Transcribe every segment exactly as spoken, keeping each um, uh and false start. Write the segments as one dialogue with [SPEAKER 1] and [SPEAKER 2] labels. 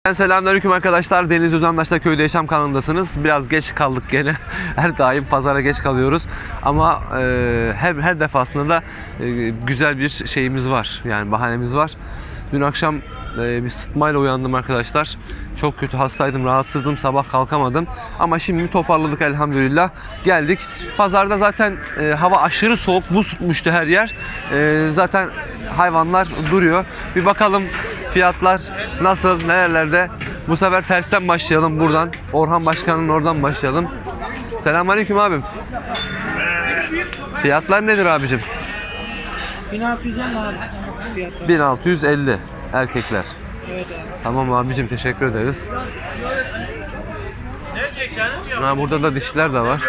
[SPEAKER 1] Selamünaleyküm arkadaşlar. Deniz Özandaş'ta Köyde Yaşam kanalındasınız. Biraz geç kaldık gene. Her daim pazara geç kalıyoruz. Ama e, her her defasında da e, güzel bir şeyimiz var. Yani bahanemiz var. Dün akşam e, bir sıtmayla uyandım arkadaşlar. Çok kötü hastaydım, rahatsızdım. Sabah kalkamadım. Ama şimdi toparladık elhamdülillah. Geldik. Pazarda zaten e, hava aşırı soğuk. Buz tutmuştu her yer. E, zaten hayvanlar duruyor. Bir bakalım fiyatlar nasıl, nerelerde? Bu sefer tersten başlayalım buradan. Orhan Başkan'ın oradan başlayalım. Selamünaleyküm abim. Fiyatlar nedir abicim?
[SPEAKER 2] bin altı yüz elli abi fiyatı.
[SPEAKER 1] bin altı yüz elli erkekler.
[SPEAKER 2] Evet abi.
[SPEAKER 1] Tamam abicim, teşekkür ederiz. Ha, burada da dişiler de var.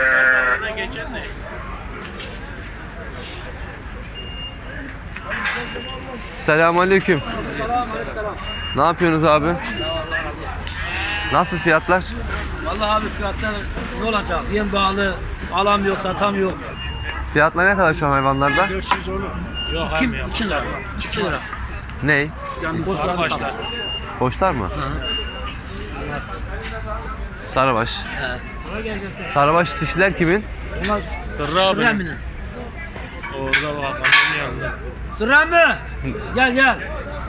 [SPEAKER 1] Selamünaleyküm. Ne yapıyorsunuz abi? Nasıl fiyatlar?
[SPEAKER 2] Vallahi abi fiyatlar ne olacak? Yem bağlı, alamıyor, satamıyor.
[SPEAKER 1] Fiyatlar ne kadar şu an hayvanlarda?
[SPEAKER 2] dört yüz olur. Yok abi. iki lira. iki lira.
[SPEAKER 1] Ney?
[SPEAKER 2] Boşlar başlar.
[SPEAKER 1] Boşlar mı?
[SPEAKER 2] Hı.
[SPEAKER 1] Sarıbaş.
[SPEAKER 2] He.
[SPEAKER 1] Sarıbaş dişiler kimin?
[SPEAKER 2] Bunlar
[SPEAKER 3] Sırrı abi.
[SPEAKER 2] Sırrı mı?
[SPEAKER 3] Orada bak annenin yanında.
[SPEAKER 2] Sırrı mı? Gel gel.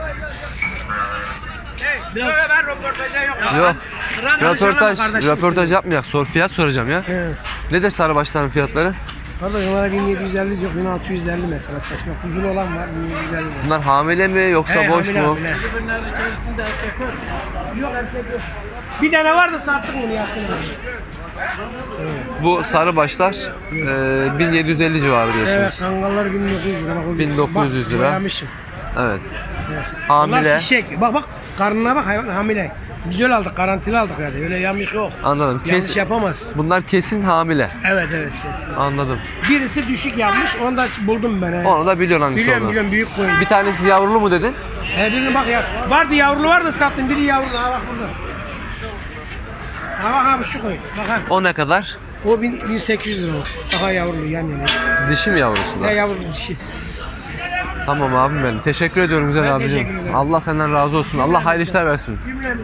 [SPEAKER 2] Biraz
[SPEAKER 3] Ben röportaja yok.
[SPEAKER 1] Yok.
[SPEAKER 2] Sırrı mı?
[SPEAKER 1] Röportaj, röportaj yapmayak. Sor, fiyat soracağım ya.
[SPEAKER 4] Evet.
[SPEAKER 1] Nedir sarıbaşların fiyatları?
[SPEAKER 4] Kardeş onlara bin yedi yüz elli diyor, bin altı yüz elli mesela saçma. Kuzulu olan var, bin yedi yüz elli diyor.
[SPEAKER 1] Bunlar hamile mi yoksa
[SPEAKER 4] He,
[SPEAKER 1] boş
[SPEAKER 4] hamile,
[SPEAKER 1] mu?
[SPEAKER 4] hamile.
[SPEAKER 2] Bunların içerisinde erkek var.
[SPEAKER 4] Yok erkek yok. Bir tane vardı sattık onu Yasin abi.
[SPEAKER 1] Bu sarıbaşlar e, bin yedi yüz elli civarı
[SPEAKER 4] Evet,
[SPEAKER 1] diyorsunuz.
[SPEAKER 4] kangallar bin dokuz yüz lira. Bak, o
[SPEAKER 1] bin dokuz yüz
[SPEAKER 4] bak,
[SPEAKER 1] lira.
[SPEAKER 4] boyamışım.
[SPEAKER 1] Evet.
[SPEAKER 4] Evet.
[SPEAKER 1] Hamile.
[SPEAKER 4] Bunlar şişek. Bak bak karnına bak, hayvan hamile. Güzel aldık, garantili aldık yani. Öyle yamyık yok.
[SPEAKER 1] Anladım.
[SPEAKER 4] Yanlış
[SPEAKER 1] Kes,
[SPEAKER 4] yapamaz.
[SPEAKER 1] bunlar kesin hamile.
[SPEAKER 4] Evet evet kesin.
[SPEAKER 1] Anladım.
[SPEAKER 4] Birisi düşük yapmış, onu da buldum ben. He.
[SPEAKER 1] Onu da biliyorsun hangisi
[SPEAKER 4] Biliyorum
[SPEAKER 1] olduğunu.
[SPEAKER 4] biliyorum, büyük koyun.
[SPEAKER 1] Bir tanesi yavrulu mu dedin?
[SPEAKER 4] He birini bak ya. Vardı yavrulu vardı sattım. Biri yavrulu. Ha bak burada. Ha bak abi şu koyun. Bak ha.
[SPEAKER 1] O ne kadar?
[SPEAKER 4] O bin, bin sekiz yüz lira o. Daha yavrulu yan yana ikisi.
[SPEAKER 1] Dişi mi yavrusu da?
[SPEAKER 4] Ya yavru dişi.
[SPEAKER 1] Tamam abim benim. Teşekkür ediyorum güzel
[SPEAKER 4] Ben
[SPEAKER 1] abicim.
[SPEAKER 4] teşekkür ederim.
[SPEAKER 1] Allah senden razı olsun. Allah hayırlı işler versin.
[SPEAKER 4] Cümlemiz.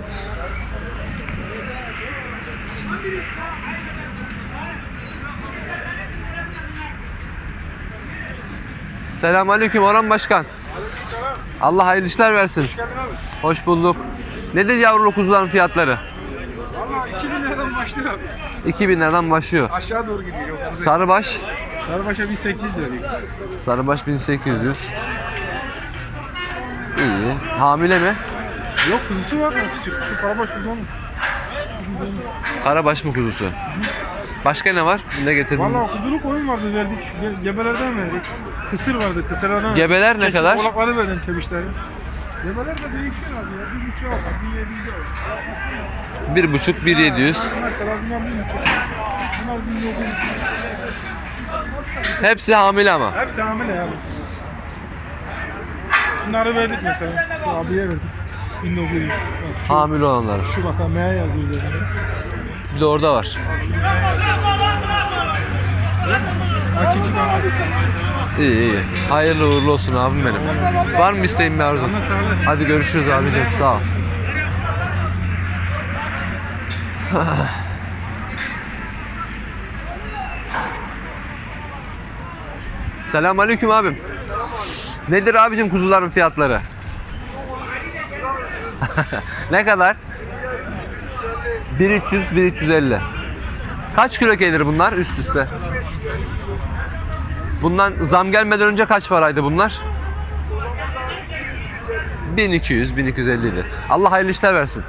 [SPEAKER 1] Selamünaleyküm Orhan Başkan. Allah hayırlı işler versin. Hoş bulduk. Nedir yavrulu kuzuların fiyatları?
[SPEAKER 3] Valla iki bin liradan başlıyor abi.
[SPEAKER 1] iki bin liradan başlıyor.
[SPEAKER 3] Aşağı doğru gidiyor.
[SPEAKER 1] Sarıbaş.
[SPEAKER 3] Sarıbaş'a bin sekiz yüz veriyor.
[SPEAKER 1] Sarıbaş bin sekiz yüz. İyi. Hamile mi?
[SPEAKER 3] Yok kuzusu var mı? Şu, şu karabaş kuzu mu?
[SPEAKER 1] Karabaş mı kuzusu? Başka ne var? Ne getirdin?
[SPEAKER 3] Valla kuzulu koyun vardı verdik. Ge- Gebelerden verdik. Kısır vardı. Kısırlardan
[SPEAKER 1] Gebeler ne
[SPEAKER 3] Çeşit
[SPEAKER 1] kadar?
[SPEAKER 3] Kulakları verdim çemişleri. Gebeler de değişiyor abi ya. Bir buçuk var. Bir yedi yüz var.
[SPEAKER 1] Bir buçuk, bir yedi yüz.
[SPEAKER 3] Mesela bunlar bir buçuk. Bunlar bin dokuz yüz.
[SPEAKER 1] Hepsi hamile ama.
[SPEAKER 3] Hepsi hamile ya. Bunları verdik mesela. Şu abiye verdik. bin dokuz yüz. Bak şu,
[SPEAKER 1] Hamile olanları.
[SPEAKER 3] şu bak ha M yazıyor üzerinde.
[SPEAKER 1] Bir de orada var.
[SPEAKER 3] Hakiki dana.
[SPEAKER 1] İyi iyi. Hayırlı uğurlu olsun abim benim. Var mı isteğin bir arzun?
[SPEAKER 3] Sana sağlık.
[SPEAKER 1] Hadi görüşürüz abicim. Sağ ol. Selamünaleyküm abim. Nedir abicim kuzuların fiyatları? Ne kadar? bin üç yüz bin üç yüz elli. Kaç kilo gelir bunlar üst üste? Bundan zam gelmeden önce kaç paraydı bunlar? bin iki yüz bin iki yüz elli idi. Allah hayırlı işler versin.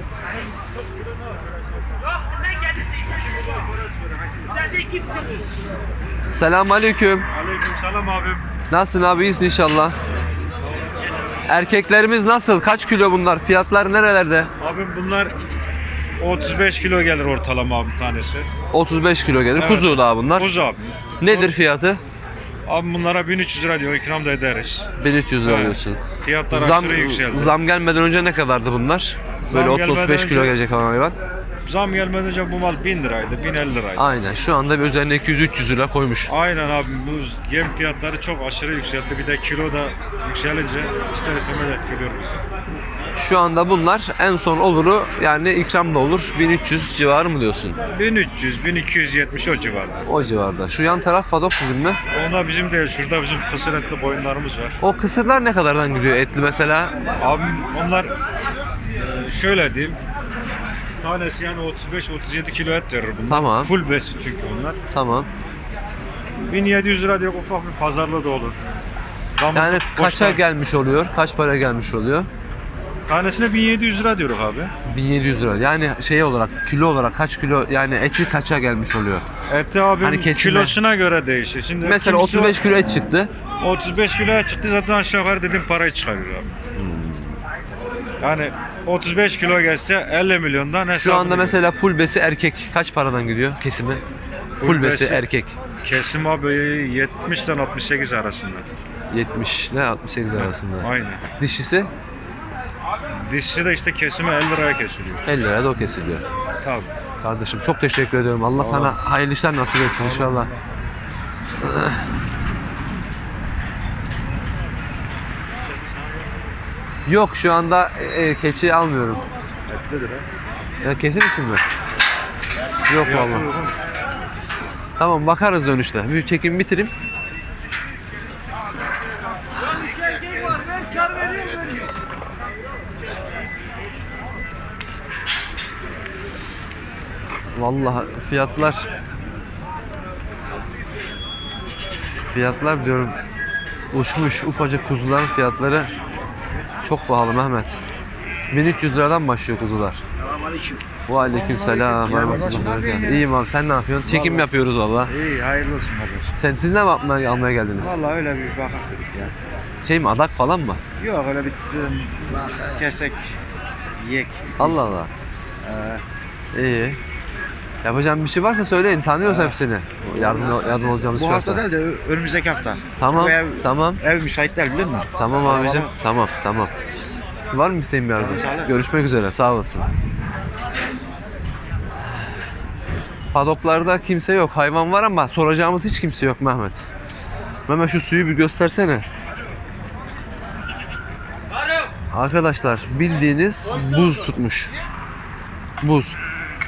[SPEAKER 1] Selamünaleyküm.
[SPEAKER 3] Aleykümselam abim.
[SPEAKER 1] Nasılsın abi? İyisin inşallah. Erkeklerimiz nasıl? Kaç kilo bunlar? Fiyatlar nerelerde?
[SPEAKER 3] Abim bunlar otuz beş kilo gelir ortalama abi tanesi.
[SPEAKER 1] otuz beş kilo gelir.
[SPEAKER 3] Evet.
[SPEAKER 1] Kuzu daha bunlar.
[SPEAKER 3] Kuzu abi.
[SPEAKER 1] Nedir fiyatı?
[SPEAKER 3] Abi bunlara bin üç yüz lira diyor, ikram da ederiz.
[SPEAKER 1] bin üç yüz lira
[SPEAKER 3] Evet.
[SPEAKER 1] diyorsun.
[SPEAKER 3] Fiyatlar
[SPEAKER 1] Zam,
[SPEAKER 3] aşırı yükseldi.
[SPEAKER 1] zam gelmeden önce ne kadardı bunlar? Böyle
[SPEAKER 3] Zam
[SPEAKER 1] otuz otuz beş
[SPEAKER 3] gelmeden
[SPEAKER 1] kilo
[SPEAKER 3] önce-
[SPEAKER 1] gelecek olan hayvan.
[SPEAKER 3] Zam gelmeden önce bu mal bin liraydı, bin elli liraydı.
[SPEAKER 1] Aynen. Şu anda bir üzerine iki yüz üç yüz lira koymuş.
[SPEAKER 3] Aynen abi, bu yem fiyatları çok aşırı yükseldi. Bir de kilo da yükselince ister istemez etkiliyor bizi.
[SPEAKER 1] Şu anda bunlar en son oluru yani ikram da olur. bin üç yüz civarı mı diyorsun?
[SPEAKER 5] bin üç yüz bin iki yüz yetmiş o civarda.
[SPEAKER 1] O civarda. Şu yan taraf padok bizim mi?
[SPEAKER 5] Ona bizim de şurada bizim kısır etli boyunlarımız var.
[SPEAKER 1] O kısırlar ne kadardan gidiyor etli mesela?
[SPEAKER 5] Abim onlar e, şöyle diyeyim. Tanesi yani otuz beş otuz yedi kilo et verir bunlar.
[SPEAKER 1] Tamam.
[SPEAKER 5] Full besi çünkü onlar.
[SPEAKER 1] Tamam.
[SPEAKER 5] bin yedi yüz lira diye ufak bir pazarlığı da olur. Damızlık
[SPEAKER 1] Yani kaça
[SPEAKER 5] boşlar.
[SPEAKER 1] gelmiş oluyor? Kaç para gelmiş oluyor?
[SPEAKER 5] Tanesine bin yedi yüz lira diyoruz abi.
[SPEAKER 1] bin yedi yüz lira. Yani şey olarak kilo olarak kaç kilo yani eti kaça gelmiş oluyor?
[SPEAKER 5] Eti abim
[SPEAKER 1] Hani kesilme.
[SPEAKER 5] kilosuna göre değişir. Şimdi
[SPEAKER 1] Mesela
[SPEAKER 5] kimisi
[SPEAKER 1] otuz beş kilo et çıktı.
[SPEAKER 5] otuz beş kiloya çıktı zaten aşağı yukarı dediğim parayı çıkarıyor abi. Yani otuz beş kilo gelse elli milyondan hesabını
[SPEAKER 1] Şu anda
[SPEAKER 5] görüyor.
[SPEAKER 1] mesela full besi erkek kaç paradan gidiyor kesimi? Full,
[SPEAKER 5] Full
[SPEAKER 1] besi
[SPEAKER 5] besi-
[SPEAKER 1] erkek
[SPEAKER 5] Kesim abi yetmişten altmış sekiz arasında.
[SPEAKER 1] yetmiş ile altmış sekiz arasında.
[SPEAKER 5] Aynen.
[SPEAKER 1] Dişisi
[SPEAKER 5] Dişçi de işte kesimi elli liraya kesiliyor.
[SPEAKER 1] elli liraya da o kesiliyor.
[SPEAKER 5] Tabii.
[SPEAKER 1] Kardeşim çok teşekkür ediyorum. Allah sana hayırlı işler nasip etsin inşallah. Yok şu anda e, keçi almıyorum.
[SPEAKER 5] Etlidir ha.
[SPEAKER 1] Ya kesim için mi? Yok vallahi. Tamam bakarız dönüşte. Bir çekim bitireyim. Vallahi fiyatlar fiyatlar diyorum uçmuş, ufacık kuzuların fiyatları çok pahalı Mehmet. bin üç yüz liradan başlıyor kuzular.
[SPEAKER 6] Selamünaleyküm.
[SPEAKER 1] Ve aleyküm selam. İyiyim abi sen ne yapıyorsun? Çekim
[SPEAKER 6] Vallahi.
[SPEAKER 1] yapıyoruz valla.
[SPEAKER 6] İyi, hayırlı olsun kardeşim.
[SPEAKER 1] Sen siz ne yapmaya almaya geldiniz?
[SPEAKER 6] Vallahi öyle bir bakak dedik ya.
[SPEAKER 1] Şey mi adak falan mı?
[SPEAKER 6] Yok öyle bir dedim, kesek, yek.
[SPEAKER 1] Allah Allah.
[SPEAKER 6] Ee,
[SPEAKER 1] İyi. Yapacağım bir şey varsa söyleyin. Tanıyoruz
[SPEAKER 6] Ha.
[SPEAKER 1] hepsini. Yardım yardım olacağımız
[SPEAKER 6] bu
[SPEAKER 1] şey
[SPEAKER 6] hafta
[SPEAKER 1] varsa.
[SPEAKER 6] değil de ö- önümüzdeki hafta.
[SPEAKER 1] Tamam.
[SPEAKER 6] Bu ev,
[SPEAKER 1] Tamam.
[SPEAKER 6] ev müsait değil biliyor musun?
[SPEAKER 1] Tamam abicim.
[SPEAKER 6] Vallahi.
[SPEAKER 1] Tamam, tamam. Var mı isteğin bir arzu?
[SPEAKER 6] Sağ ol.
[SPEAKER 1] Görüşmek üzere. Sağ olasın. Padoklarda kimse yok. Hayvan var ama soracağımız hiç kimse yok Mehmet. Mehmet şu suyu bir göstersene. Arkadaşlar bildiğiniz buz tutmuş. Buz.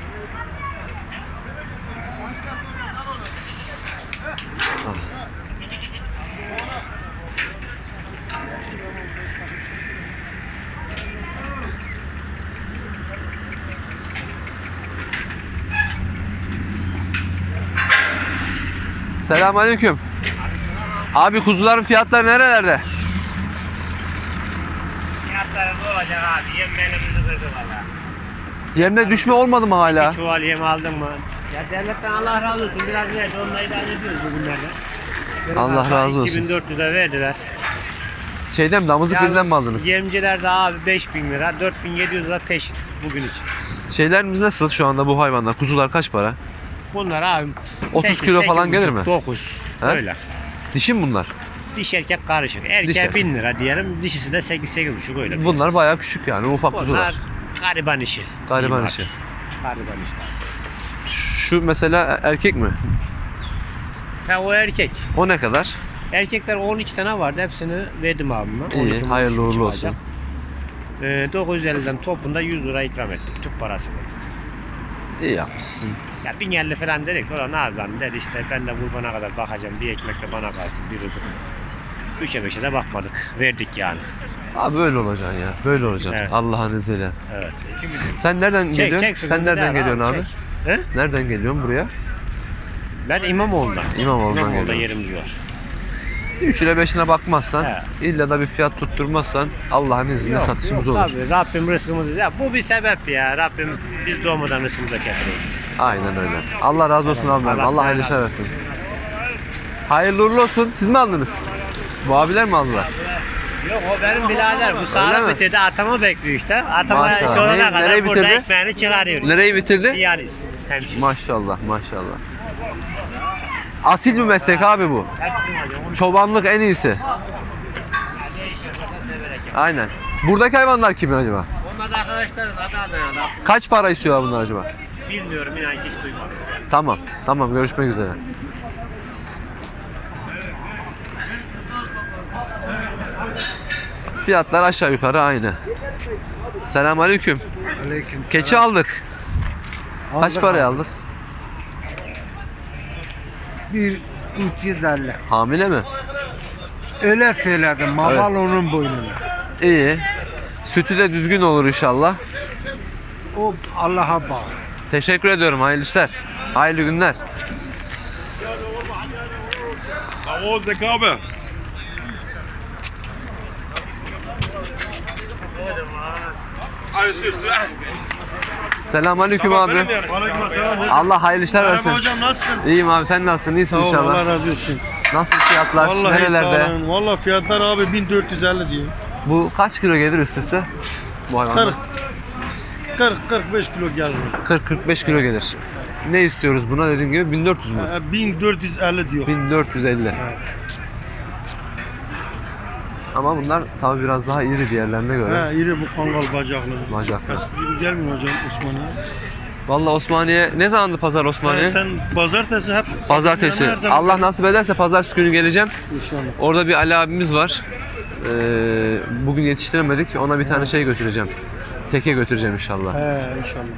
[SPEAKER 1] Selamünaleyküm. Abi kuzuların fiyatları nerelerde?
[SPEAKER 7] Fiyatları ne olacak abi? Yem belimizi kırdı valla.
[SPEAKER 1] Yemde düşme olmadı mı hala?
[SPEAKER 7] Bir çuval yem aldın mı? Ya devletten Allah razı olsun. Biraz verdi. Onunla idare ediyoruz bugünlerde.
[SPEAKER 1] Allah razı olsun.
[SPEAKER 7] iki bin dört yüze verdiler.
[SPEAKER 1] Şeyden mi? Damızlık
[SPEAKER 7] Yalnız
[SPEAKER 1] birden mi aldınız?
[SPEAKER 7] Yemciler de abi beş bin lira, dört bin yedi yüz lira peşin bugün için.
[SPEAKER 1] Şeylerimiz nasıl şu anda bu hayvanlar? Kuzular kaç para?
[SPEAKER 7] Bunlar abi
[SPEAKER 1] otuz
[SPEAKER 7] sekiz,
[SPEAKER 1] kilo
[SPEAKER 7] sekiz
[SPEAKER 1] falan gelir
[SPEAKER 7] buçuk,
[SPEAKER 1] mi?
[SPEAKER 7] dokuz.
[SPEAKER 1] He?
[SPEAKER 7] Öyle.
[SPEAKER 1] Dişi mi bunlar?
[SPEAKER 7] Diş erkek karışık. Erkeğe
[SPEAKER 1] Diş erkek.
[SPEAKER 7] bin lira diyelim. Dişisi de sekiz sekiz buçuk öyle.
[SPEAKER 1] Bunlar bayağı küçük yani ufak
[SPEAKER 7] Bunlar
[SPEAKER 1] kuzular.
[SPEAKER 7] gariban işi.
[SPEAKER 1] Gariban
[SPEAKER 7] Bunlar.
[SPEAKER 1] işi.
[SPEAKER 7] Gariban işi.
[SPEAKER 1] Şu mesela erkek mi?
[SPEAKER 7] Ha o erkek.
[SPEAKER 1] O ne kadar?
[SPEAKER 7] Erkekler on iki tane vardı. Hepsini verdim abime.
[SPEAKER 1] İyi,
[SPEAKER 7] on iki
[SPEAKER 1] hayırlı uğurlu
[SPEAKER 7] çıkacak.
[SPEAKER 1] olsun.
[SPEAKER 7] Ee, dokuz yüz elliden topunda yüz lira ikram ettik. Tüp parası verdik.
[SPEAKER 1] İyi yapmışsın.
[SPEAKER 7] Ya bin elli falan dedik. O da Nazan dedi işte ben de kurbana kadar bakacağım. Bir ekmek de bana kalsın. Bir rızık. Üçe beşe de bakmadık. Verdik yani.
[SPEAKER 1] Abi böyle olacaksın ya. Böyle olacaksın.
[SPEAKER 7] Evet.
[SPEAKER 1] Allah'ın izniyle.
[SPEAKER 7] Evet.
[SPEAKER 1] Sen nereden
[SPEAKER 7] Çek,
[SPEAKER 1] geliyorsun?
[SPEAKER 7] çek,
[SPEAKER 1] Sen
[SPEAKER 7] sıkıntı
[SPEAKER 1] nereden
[SPEAKER 7] değil
[SPEAKER 1] geliyorsun abi?
[SPEAKER 7] çek. He?
[SPEAKER 1] Nereden geliyorsun buraya?
[SPEAKER 7] Ben İmamoğlu'ndan.
[SPEAKER 1] İmamoğlu'ndan
[SPEAKER 7] İmamoğlu'da
[SPEAKER 1] geliyorum.
[SPEAKER 7] yerim diyor.
[SPEAKER 1] üçüne beşine bakmazsan,
[SPEAKER 7] He.
[SPEAKER 1] illa da bir fiyat tutturmazsan Allah'ın izniyle
[SPEAKER 7] Yok,
[SPEAKER 1] satışımız
[SPEAKER 7] yok
[SPEAKER 1] olur.
[SPEAKER 7] Tabii Rabbim rızkımızı ya bu bir sebep ya. Rabbim biz doğmadan rızkımıza getiriyoruz.
[SPEAKER 1] Aynen öyle. Allah razı olsun abi.
[SPEAKER 7] Allah
[SPEAKER 1] Allah hayırlı
[SPEAKER 7] sizden
[SPEAKER 1] işler versin. Hayırlı uğurlu olsun. Siz mi aldınız? Bu abiler mi aldılar?
[SPEAKER 7] Yok o benim birader. Bu
[SPEAKER 1] mi?
[SPEAKER 7] sağlık bitirdi. Atama bekliyor işte. Atama
[SPEAKER 1] Maşallah.
[SPEAKER 7] sonuna
[SPEAKER 1] Neyi-
[SPEAKER 7] kadar
[SPEAKER 1] nereyi
[SPEAKER 7] burada
[SPEAKER 1] bitirdi?
[SPEAKER 7] ekmeğini çıkarıyor.
[SPEAKER 1] Nereyi bitirdi?
[SPEAKER 7] Siyanis. Hemşire.
[SPEAKER 1] Maşallah maşallah. Asil bir meslek abi bu.
[SPEAKER 7] Hepsini alıyor. Onu
[SPEAKER 1] Çobanlık en iyisi.
[SPEAKER 7] severek yap.
[SPEAKER 1] Aynen. Buradaki hayvanlar kimin acaba?
[SPEAKER 7] Onlar da arkadaşlarız. Adı Adana'da.
[SPEAKER 1] Kaç para istiyorlar bunlar acaba?
[SPEAKER 7] Bilmiyorum inan ki hiç duymadım.
[SPEAKER 1] Tamam. Tamam görüşmek üzere. Fiyatlar aşağı yukarı aynı. Selamünaleyküm.
[SPEAKER 6] Aleyküm.
[SPEAKER 1] Keçi aldık. Kaç paraya aldık?
[SPEAKER 6] Bir üç yüz elli.
[SPEAKER 1] Hamile mi?
[SPEAKER 6] Öyle söyledim. Mamal
[SPEAKER 1] Evet.
[SPEAKER 6] onun boynuna.
[SPEAKER 1] İyi. Sütü de düzgün olur inşallah.
[SPEAKER 6] O Allah'a bağlı.
[SPEAKER 1] Teşekkür ediyorum. Hayırlı işler. Hayırlı günler.
[SPEAKER 3] O zekabe.
[SPEAKER 1] Selamünaleyküm abi. Allah hayırlı işler versin.
[SPEAKER 3] Hocam nasılsın?
[SPEAKER 1] İyiyim abi, sen nasılsın? İyisin
[SPEAKER 3] Allah
[SPEAKER 1] inşallah.
[SPEAKER 3] razı olsun.
[SPEAKER 1] Nasıl fiyatlar?
[SPEAKER 3] Vallahi
[SPEAKER 1] Nerelerde?
[SPEAKER 3] sağ olun. Vallahi fiyatlar abi bin dört yüz elli diyor.
[SPEAKER 1] Bu kaç kilo gelir üst üste? Bu hayvanlar.
[SPEAKER 3] kırk. kırk kırk beş kilo geldi.
[SPEAKER 1] kırk kırk beş kilo gelir. Ne istiyoruz buna dediğim gibi bin dört yüz mü?
[SPEAKER 3] Ee, bin dört yüz elli diyor.
[SPEAKER 1] bin dört yüz elli.
[SPEAKER 3] Evet.
[SPEAKER 1] Ama bunlar tabi biraz daha iri diğerlerine göre.
[SPEAKER 3] He, iri bu kangal bacaklı.
[SPEAKER 1] Bacaklı.
[SPEAKER 3] Eski gibi gelmiyor hocam Osmanlı'ya.
[SPEAKER 1] Vallahi Osmaniye ne zamandı pazar
[SPEAKER 3] Yani
[SPEAKER 1] Osmaniye?
[SPEAKER 3] sen pazartesi hep
[SPEAKER 1] Pazartesi.
[SPEAKER 3] Yani her zaman-
[SPEAKER 1] Allah nasip ederse pazartesi günü geleceğim.
[SPEAKER 3] İnşallah.
[SPEAKER 1] Orada bir Ali abimiz var. Ee, bugün yetiştiremedik. Ona bir tane şey götüreceğim. Teke götüreceğim inşallah.
[SPEAKER 3] He inşallah.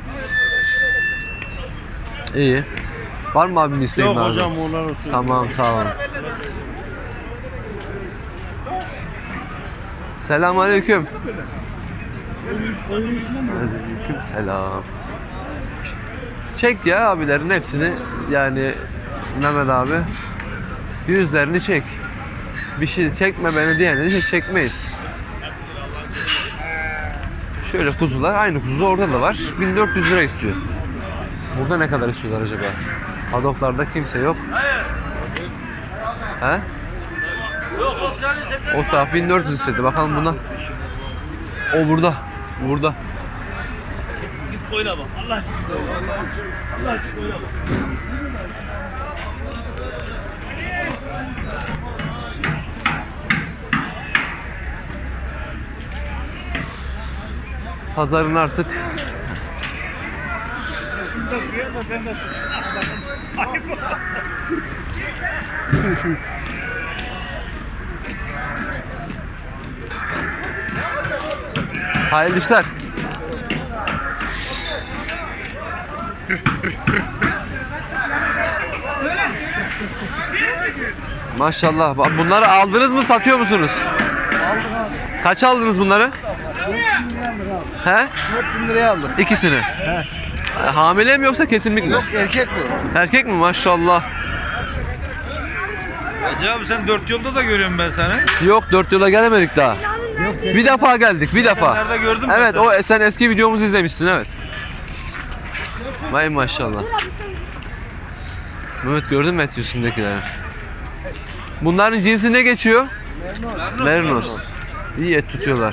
[SPEAKER 1] İyi. Var mı abim isteğin
[SPEAKER 3] Yok
[SPEAKER 1] abi?
[SPEAKER 3] hocam onlar olsun.
[SPEAKER 1] Tamam, sağ olun. Selamünaleyküm. Aleyküm selam. Çek ya abilerin hepsini, yani Mehmet abi. Yüzlerini çek. Bir şey çekme beni diyene de çekmeyiz. Şöyle kuzular, aynı kuzu orada da var. bin dört yüz lira istiyor. Burada ne kadar istiyorlar acaba? Padoklarda kimse yok. He? O taraf bin dört yüz istedi. Bakalım buna. O burada. Burada.
[SPEAKER 2] Oyna bak. Allah aşkına. Allah aşkına oyna bak.
[SPEAKER 1] Pazarın artık hayırlı işler. Maşallah. Bak, bunları aldınız mı, satıyor musunuz?
[SPEAKER 6] Aldık abi.
[SPEAKER 1] Kaç aldınız bunları?
[SPEAKER 6] dört bin liraya aldık abi.
[SPEAKER 1] He?
[SPEAKER 6] dört bin liraya aldık.
[SPEAKER 1] İkisini.
[SPEAKER 6] He.
[SPEAKER 1] Hamile mi yoksa kesinlik mi?
[SPEAKER 6] Yok erkek bu.
[SPEAKER 1] Erkek mi? Maşallah.
[SPEAKER 5] Hacı abi sen dört yolda da görüyorum ben seni.
[SPEAKER 1] Yok, dört yola gelemedik daha. Bir defa geldik, bir defa.
[SPEAKER 5] Nerede gördüm
[SPEAKER 1] Evet, o sen eski videomuzu izlemişsin, evet. Vay maşallah. Mehmet, gördün mü et üstündekileri? Bunların cinsi ne geçiyor? Mernos. İyi et tutuyorlar.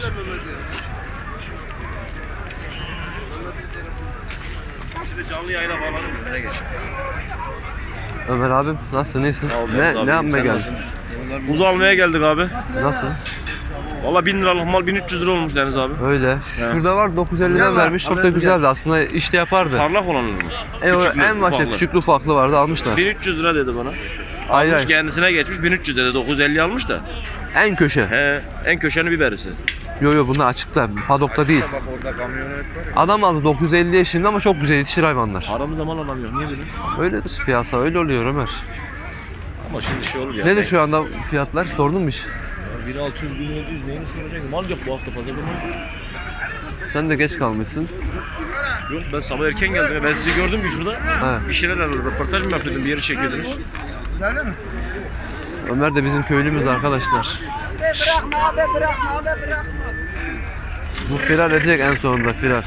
[SPEAKER 5] Canlı yayına bağladım. Ne geç?
[SPEAKER 1] Ömer abim nasılsın, iyisin? Ne, ne yapmaya geldin?
[SPEAKER 8] Buz almaya geldik abi.
[SPEAKER 1] Nasıl?
[SPEAKER 8] Valla bin liralık mal bin üç yüz lira olmuş Deniz abi.
[SPEAKER 1] Öyle. Şurada var dokuz yüz elliden vermiş. Çok da güzeldi. Aslında işte yapardı.
[SPEAKER 8] Parlak olanı mı?
[SPEAKER 1] E, o
[SPEAKER 8] Küçüklü,
[SPEAKER 1] en başta
[SPEAKER 8] ufaklı.
[SPEAKER 1] küçüklü ufaklı vardı, almışlar.
[SPEAKER 8] bin üç yüz lira dedi bana.
[SPEAKER 1] Hayır,
[SPEAKER 8] Almış
[SPEAKER 1] hayır.
[SPEAKER 8] kendisine geçmiş bin üç yüz dedi. dokuz yüz elli almış da.
[SPEAKER 1] En köşe.
[SPEAKER 8] He, en köşenin biberisi.
[SPEAKER 1] Yo yo, bunlar açıkta. Padokta değil.
[SPEAKER 5] Bak orada kamyonet var ya.
[SPEAKER 1] Adam aldı dokuz yüz elli yaşında ama çok güzel yetişir hayvanlar.
[SPEAKER 8] Paramızda mal alamıyor. Niye böyle?
[SPEAKER 1] Öyledir piyasa, öyle oluyor Ömer.
[SPEAKER 8] Ama şimdi şey olur ya.
[SPEAKER 1] Nedir şu anda fiyatlar? Sordun mu hiç?
[SPEAKER 8] bin altı yüz bin yedi yüz neyini soracak? Mal yok bu hafta pazarda mal.
[SPEAKER 1] Sen de geç kalmışsın.
[SPEAKER 8] Yok ben sabah erken geldim. ya. Ben sizi gördüm ki şurada.
[SPEAKER 1] He.
[SPEAKER 8] Bir şeyler arıyordum. Röportaj mı yapıyordum? Bir yeri çekiyordunuz.
[SPEAKER 6] Öyle mi?
[SPEAKER 1] Ömer de bizim köylümüz arkadaşlar.
[SPEAKER 6] Bırakma abi bırakma abi bırakma.
[SPEAKER 1] Bu firar edecek en sonunda, firar.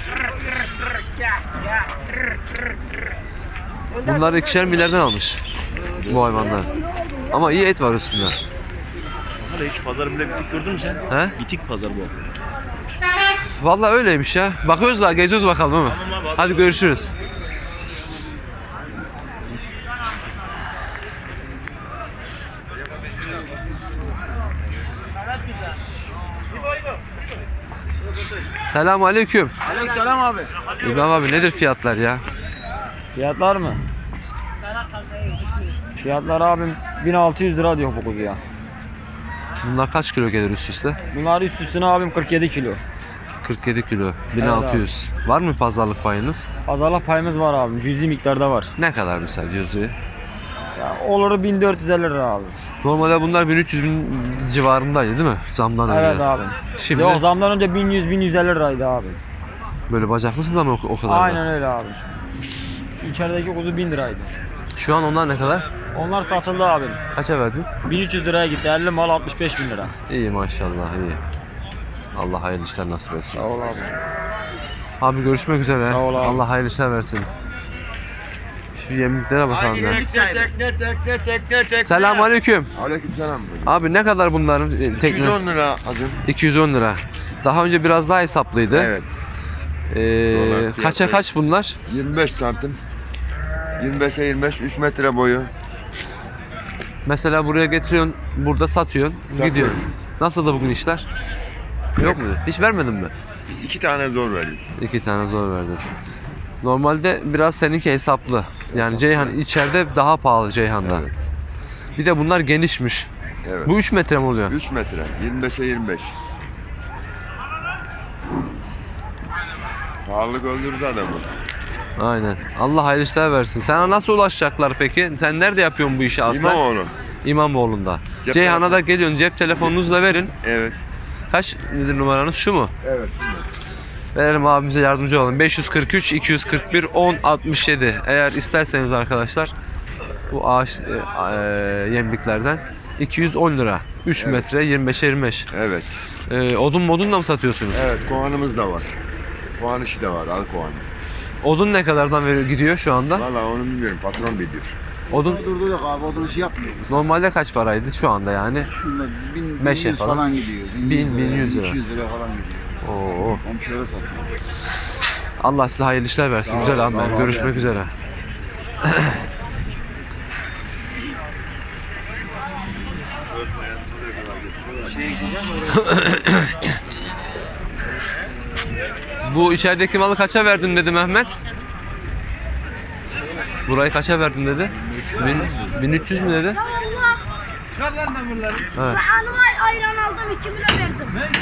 [SPEAKER 1] Bunları ikişer milyardan almış bu hayvanlar. Ama iyi et var üstünde.
[SPEAKER 8] Hala hiç pazarı bile bitik gördün mü sen?
[SPEAKER 1] He?
[SPEAKER 8] Bitik pazar bu hafta.
[SPEAKER 1] Vallahi öyleymiş ya. Bakıyoruz da geziyoruz bakalım ama.
[SPEAKER 8] Tamam abi, hadi.
[SPEAKER 1] Hadi görüşürüz. Selamun aleyküm.
[SPEAKER 2] Aleykümselam abi.
[SPEAKER 1] İbrahim abi, nedir fiyatlar ya?
[SPEAKER 2] Fiyatlar mı? Fiyatlar abim bin altı yüz lira diyor bu kuzuya.
[SPEAKER 1] Bunlar kaç kilo gelir üst üste?
[SPEAKER 2] Bunlar üst üstüne abim kırk yedi kilo.
[SPEAKER 1] kırk yedi kilo. bin altı yüz. Var mı pazarlık payınız?
[SPEAKER 9] Pazarlık payımız var abi. Cüzi miktarda var.
[SPEAKER 1] Ne kadar mesela cüz'i?
[SPEAKER 9] Ya olur bin dört yüz elli lira abi.
[SPEAKER 1] Normalde bunlar bin üç yüz bin civarındaydı değil mi? Zamdan önce.
[SPEAKER 9] Evet abi.
[SPEAKER 1] Şimdi
[SPEAKER 9] Yok zamdan önce bin yüz bin yüz elli liraydı abi.
[SPEAKER 1] böyle bacaklısı da mı o, o kadar? da?
[SPEAKER 9] Aynen öyle abi. Şu içerideki kuzu bin liraydı.
[SPEAKER 1] Şu an onlar ne kadar?
[SPEAKER 9] Onlar satıldı abi.
[SPEAKER 1] Kaça verdin?
[SPEAKER 9] bin üç yüz liraya gitti. elli mal altmış beş bin lira.
[SPEAKER 1] İyi maşallah iyi. Allah hayırlı işler nasip etsin.
[SPEAKER 9] Sağ ol abi.
[SPEAKER 1] Abi görüşmek üzere.
[SPEAKER 9] Sağ ol abi.
[SPEAKER 1] Allah hayırlı işler versin. Şu yemliklere bakalım ya.
[SPEAKER 6] Tekne tekne tekne tekne.
[SPEAKER 1] Selamünaleyküm.
[SPEAKER 6] Aleykümselam.
[SPEAKER 1] Abi ne kadar bunların e, tekne?
[SPEAKER 6] iki yüz on lira acım.
[SPEAKER 1] iki yüz on lira. Daha önce biraz daha hesaplıydı.
[SPEAKER 6] Evet.
[SPEAKER 1] Ee,
[SPEAKER 6] Dolar fiyatı.
[SPEAKER 1] kaça kaç bunlar?
[SPEAKER 6] yirmi beş santim. yirmi beşe yirmi beş, üç metre boyu.
[SPEAKER 1] Mesela buraya getiriyorsun, burada satıyorsun,
[SPEAKER 6] Satıyorum.
[SPEAKER 1] gidiyorsun. Nasıl da bugün işler? Yok mu? Hiç vermedin mi?
[SPEAKER 6] İki tane zor veriyor.
[SPEAKER 1] İki tane zor verdin. Normalde biraz seninki hesaplı. Yani Ceyhan içeride daha pahalı Ceyhan'da.
[SPEAKER 6] Evet.
[SPEAKER 1] Bir de bunlar genişmiş.
[SPEAKER 6] Evet.
[SPEAKER 1] Bu üç metre mi oluyor?
[SPEAKER 6] üç metre. yirmi beşe yirmi beş. Pahalılık öldürdü adamı.
[SPEAKER 1] Aynen. Allah hayırlı işler versin. Sana nasıl ulaşacaklar peki? Sen nerede yapıyorsun bu işi aslında?
[SPEAKER 6] İmamoğlu.
[SPEAKER 1] İmamoğlu'nda.
[SPEAKER 6] Cep
[SPEAKER 1] Ceyhan'a da
[SPEAKER 6] telefonu.
[SPEAKER 1] geliyorsun, cep telefonunuzla verin.
[SPEAKER 6] Evet.
[SPEAKER 1] Kaç nedir numaranız? Şu mu?
[SPEAKER 6] Evet.
[SPEAKER 1] Verelim abimize yardımcı olalım. beş yüz kırk üç iki yüz kırk bir on altmış yedi. Eğer isterseniz arkadaşlar bu ağaç e, e, yemliklerden iki yüz on lira. üç
[SPEAKER 6] Evet.
[SPEAKER 1] metre yirmi beşe yirmi beş.
[SPEAKER 6] Evet.
[SPEAKER 1] E, odun modun da mı satıyorsunuz?
[SPEAKER 6] Evet. Kovanımız da var. Kovan işi de var. Al kovanı.
[SPEAKER 1] Odun ne kadardan veriyor, gidiyor şu anda?
[SPEAKER 6] Valla onu bilmiyorum. Patron biliyor.
[SPEAKER 1] Odun
[SPEAKER 3] Durdurduk abi, odun işi yapmıyor.
[SPEAKER 1] normalde kaç paraydı şu anda yani?
[SPEAKER 3] Şunda bin,
[SPEAKER 1] Meşe
[SPEAKER 3] bin yüz
[SPEAKER 1] falan.
[SPEAKER 3] falan gidiyor.
[SPEAKER 1] Bin, bin yüz lira.
[SPEAKER 3] iki yüz lira falan gidiyor.
[SPEAKER 1] Oo.
[SPEAKER 3] Komşulara satıyor.
[SPEAKER 1] Allah size hayırlı işler versin.
[SPEAKER 3] Sağ ol,
[SPEAKER 1] Güzel abi.
[SPEAKER 3] sağ ol abi.
[SPEAKER 1] Görüşmek üzere. Bu içerideki malı kaça verdin dedi Mehmet? Burayı kaça verdin dedi? Bin, bin üç yüz mü dedi?
[SPEAKER 3] Çıkar lan demirleri.
[SPEAKER 1] Evet.
[SPEAKER 10] Hanıma ayran aldım iki lira verdim.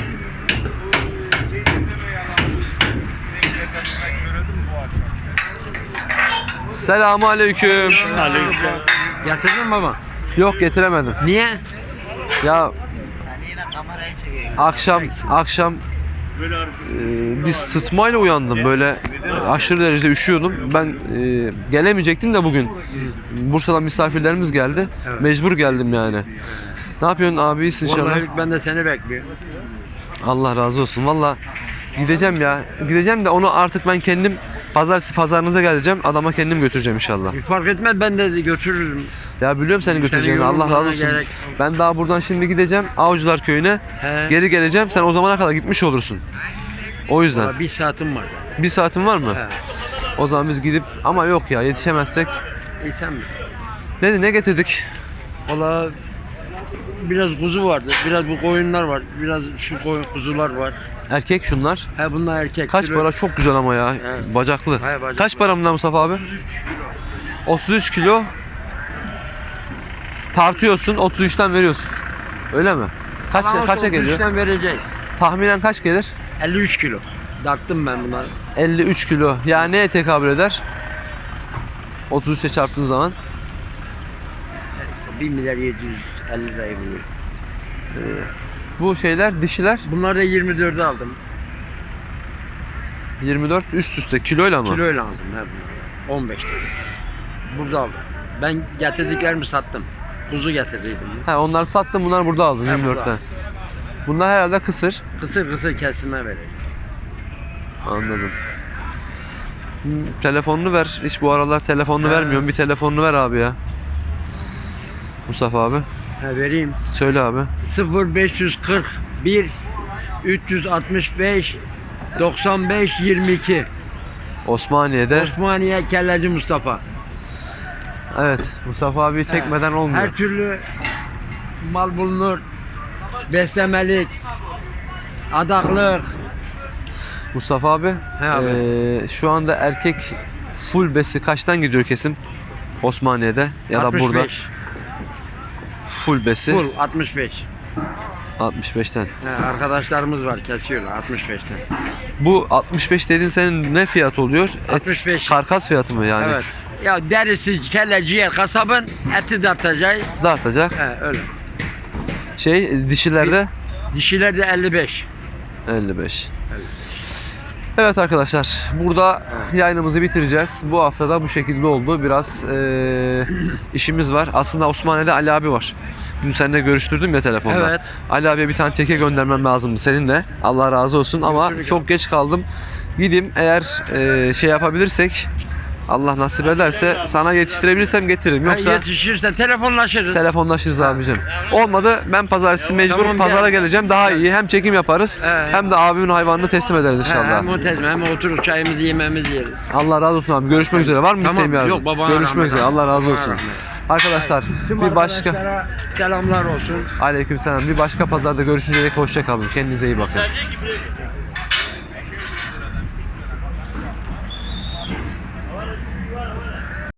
[SPEAKER 1] Selamun aleyküm.
[SPEAKER 9] Getirdin mi baba?
[SPEAKER 1] Yok getiremedim.
[SPEAKER 9] Niye?
[SPEAKER 1] Ya akşam akşam e, bir sıtmayla uyandım böyle e, aşırı derecede üşüyordum. Ben e, gelemeyecektim de bugün Bursa'dan misafirlerimiz geldi. Mecbur geldim yani. Ne yapıyorsun abi, iyisin inşallah?
[SPEAKER 9] Vallahi ben de seni bekliyorum.
[SPEAKER 1] Allah razı olsun. Valla gideceğim ya. Gideceğim de onu artık ben kendim pazartesi pazarınıza geleceğim. Adama kendim götüreceğim inşallah.
[SPEAKER 9] Fark etmez ben de götürürüm.
[SPEAKER 1] Ya biliyorum seni götüreceğini. Allah
[SPEAKER 9] yorulmana
[SPEAKER 1] razı olsun.
[SPEAKER 9] gerek
[SPEAKER 1] Ben daha buradan şimdi gideceğim Avcılar Köyü'ne.
[SPEAKER 9] He.
[SPEAKER 1] Geri geleceğim. Sen o zamana kadar gitmiş olursun. O yüzden.
[SPEAKER 9] Vallahi bir saatim var.
[SPEAKER 1] Bir saatin var mı?
[SPEAKER 9] He.
[SPEAKER 1] O zaman biz gidip ama yok ya yetişemezsek.
[SPEAKER 9] İyi sen mi?
[SPEAKER 1] Ne ne getirdik?
[SPEAKER 9] Valla biraz kuzu vardı, biraz bu koyunlar var, biraz şu koyun kuzular var.
[SPEAKER 1] Erkek şunlar.
[SPEAKER 9] He bunlar erkek.
[SPEAKER 1] Kaç
[SPEAKER 9] Kilo-
[SPEAKER 1] para? Çok güzel ama ya.
[SPEAKER 9] He.
[SPEAKER 1] Bacaklı.
[SPEAKER 9] He, bacaklı.
[SPEAKER 1] Kaç para bunlar Mustafa abi? otuz üç kilo. Tartıyorsun, otuz üçten veriyorsun. Öyle mi? Kaç
[SPEAKER 9] Ama
[SPEAKER 1] kaça
[SPEAKER 9] otuz
[SPEAKER 1] geliyor?
[SPEAKER 9] üçten vereceğiz.
[SPEAKER 1] Tahminen kaç gelir?
[SPEAKER 9] elli üç kilo. Darttım ben bunları.
[SPEAKER 1] elli üç kilo. Yani neye tekabül eder? otuz üçe çarptığın zaman
[SPEAKER 9] İşte bir milyar yedi yüz elli lirayı buluyor.
[SPEAKER 1] e, bu şeyler dişiler
[SPEAKER 9] Bunları da yirmi dörde aldım.
[SPEAKER 1] yirmi dört üst üste kiloyla mı?
[SPEAKER 9] Kiloyla aldım he bunları. on beş tane. Burada aldım. Ben getirdiklerimi sattım. Kuzu getirdiydim.
[SPEAKER 1] Ha, onlar sattın, bunlar burada aldın
[SPEAKER 9] He,
[SPEAKER 1] yirmi
[SPEAKER 9] burada.
[SPEAKER 1] dörtten. Bunlar herhalde kısır.
[SPEAKER 9] Kısır kısır kesime vereceğim.
[SPEAKER 1] Anladım. Hmm, telefonunu ver. Hiç bu aralar telefonunu
[SPEAKER 9] He.
[SPEAKER 1] vermiyorum. Bir telefonunu ver abi ya. Mustafa abi.
[SPEAKER 9] He vereyim.
[SPEAKER 1] Söyle abi.
[SPEAKER 9] sıfır beş yüz kırk bir üç yüz altmış beş doksan beş yirmi iki
[SPEAKER 1] Osmaniye'de.
[SPEAKER 9] Osmaniye Kelleci Mustafa.
[SPEAKER 1] Evet. Mustafa abi çekmeden olmuyor.
[SPEAKER 9] Her türlü mal bulunur. Beslemelik, adaklık.
[SPEAKER 1] Mustafa abi.
[SPEAKER 9] He abi.
[SPEAKER 1] eee, şu anda erkek full besi kaçtan gidiyor kesim? Osmaniye'de ya da
[SPEAKER 9] altmış
[SPEAKER 1] burada.
[SPEAKER 9] beş.
[SPEAKER 1] Full besi.
[SPEAKER 9] Full altmış beş.
[SPEAKER 1] altmış beşten.
[SPEAKER 9] He, arkadaşlarımız var kesiyorlar altmış beşten.
[SPEAKER 1] Bu altmış beş dediğin senin ne fiyat oluyor? Et,
[SPEAKER 9] altmış beş.
[SPEAKER 1] Karkas fiyatı mı yani?
[SPEAKER 9] Evet. Ya derisi, kelle, ciğer, kasabın eti dartacağız.
[SPEAKER 1] Dağıtacak.
[SPEAKER 9] He öyle.
[SPEAKER 1] Şey dişilerde
[SPEAKER 9] Dişiler de elli beş.
[SPEAKER 1] elli beş. Evet arkadaşlar, burada yayınımızı bitireceğiz. Bu hafta da bu şekilde oldu. Biraz eee, işimiz var. Aslında Osmaniye'de Ali abi var. Dün seninle görüştürdüm ya telefonda.
[SPEAKER 9] Evet.
[SPEAKER 1] Ali abiye bir tane teke göndermem lazımdı seninle. Allah razı olsun ama
[SPEAKER 9] Görüşürüz.
[SPEAKER 1] çok geç kaldım. Gideyim eğer eee, şey yapabilirsek, Allah nasip ederse sana yetiştirebilirsem getiririm.
[SPEAKER 9] Yoksa
[SPEAKER 1] Yoksa
[SPEAKER 9] yetişirse telefonlaşırız.
[SPEAKER 1] telefonlaşırız abicim. Olmadı ben pazartesi mecbur
[SPEAKER 9] Tamam,
[SPEAKER 1] pazara
[SPEAKER 9] gel.
[SPEAKER 1] geleceğim. Daha iyi. Hem çekim yaparız
[SPEAKER 9] He.
[SPEAKER 1] hem de abimin hayvanını teslim ederiz
[SPEAKER 9] He,
[SPEAKER 1] inşallah.
[SPEAKER 9] hem otezme hem oturup çayımızı yememizi yeriz.
[SPEAKER 1] Allah razı olsun abi. Görüşmek üzere. Var mı
[SPEAKER 9] Tamam,
[SPEAKER 1] isteğin bir arzun?
[SPEAKER 9] yok, babana
[SPEAKER 1] Görüşmek
[SPEAKER 9] rahmet.
[SPEAKER 1] üzere. Allah razı
[SPEAKER 9] Babana
[SPEAKER 1] olsun.
[SPEAKER 9] rahmet.
[SPEAKER 1] Arkadaşlar
[SPEAKER 9] Tüm
[SPEAKER 1] bir başka
[SPEAKER 9] arkadaşlara selamlar olsun.
[SPEAKER 1] Aleykümselam. Bir başka pazarda görüşünceye dek hoşça kalın. Kendinize iyi bakın.